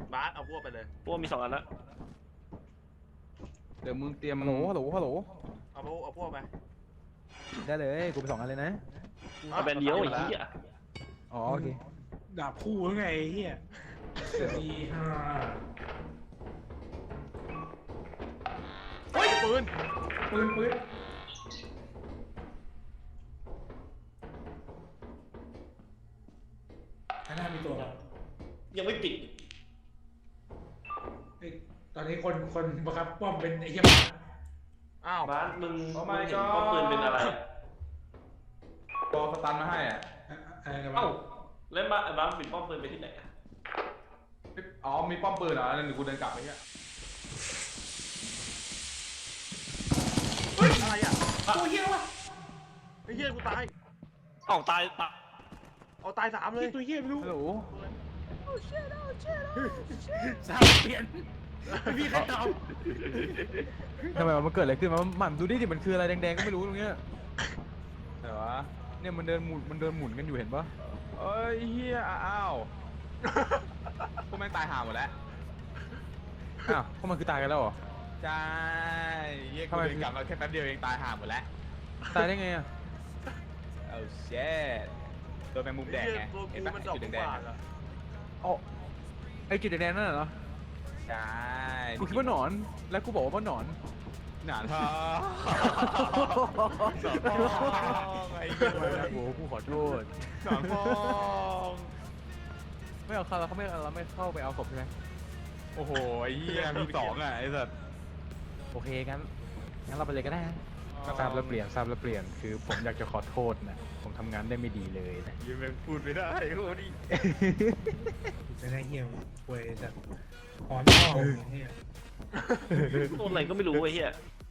บาสเอาพวกไปเลยพวกมี2 อันละเดี๋ยวมึงเตรียมฮัลโหลฮัลโหลฮัลโหลเอาพวกไปได้เลยกูไป2 อันเลยนะเอาแบนเดียวไอ้เหี้ยอ๋อโอเคดาบคู่แล้วไงไอ้เฮียตีห้าเฮ้ยปืนปืนข้างหน้ามีตัวยังไม่ปิดเฮ้ยตอนนี้คนบังคับป้อมเป็นไอ้เหี้ยหมาอ้าวบ้านมึงเห็นป้อมปืนเป็นอะไรรอสตันมาให้อ่ะอะไรกันเอ้าวะแล้วบ้านปิดป้อมปืนไปที่ไหนอะอ๋อมีป้อมปืนเหรอนั่นเดี๋ยวกูเดินกลับไปเงี้ยเฮ้ยอะไรอ่ะตัวเหี้ยวะไอ้เหี้ยกูตายเอ้าตายเอาตาย3เลยตัวเหี้ยไม่รู้ฮัลโหลสามเปลี่ยนไม่มีใครตอบทำไมมันเกิดอะไรขึ้นมาหมั่นดูดิมันคืออะไรแดงๆก็ไม่รู้ตรงเนี้ยไหนวะเนี่ยมันเดินหมุนกันอยู่เห็นปะเอ้ยเฮียอ้าวพวกแม่งตายห่าหมดแล้วอ้าวพวกมันคือตายกันแล้วเหรอใช่เฮียกูทำไมเดินกลับมาแค่แป๊บเดียวเองตายห่าหมดแล้วตายได้ไงอ่ะเอาเช็ดตัวแมงมุมแดงไงตัวเห็กูนปะมันดอกจุดกุแดงบาๆทอะอะอ๋อไอ้จุดแดงๆนั่นเหรอใช่กูคิดว่าหนอนแล้วกูบอกว่าหนอนหนานทองหนอนทองไอ้เหี้ยไม่นะโอ้กูขอโทษหนอนทองไม่เอาเข้าแล้วเขาไม่เราไม่เข้าไปเอาศพใช่ไหมโอ้โหไอ้เหี้ยมี2อ่ะไอ้สัสโอเคงั้นเราไปเลยก็ได้ทราบแล้วเปลี่ยนคือผมอยากจะขอโทษนะผมทำงานได้ไม่ดีเลยนะยังแม่งพูดไม่ได้โอ้ดิจะได้เหี้ยวป่วยจากหอนพ่อเฮียตัวอะไรก็ไม่รู้ไอ้เหี้ย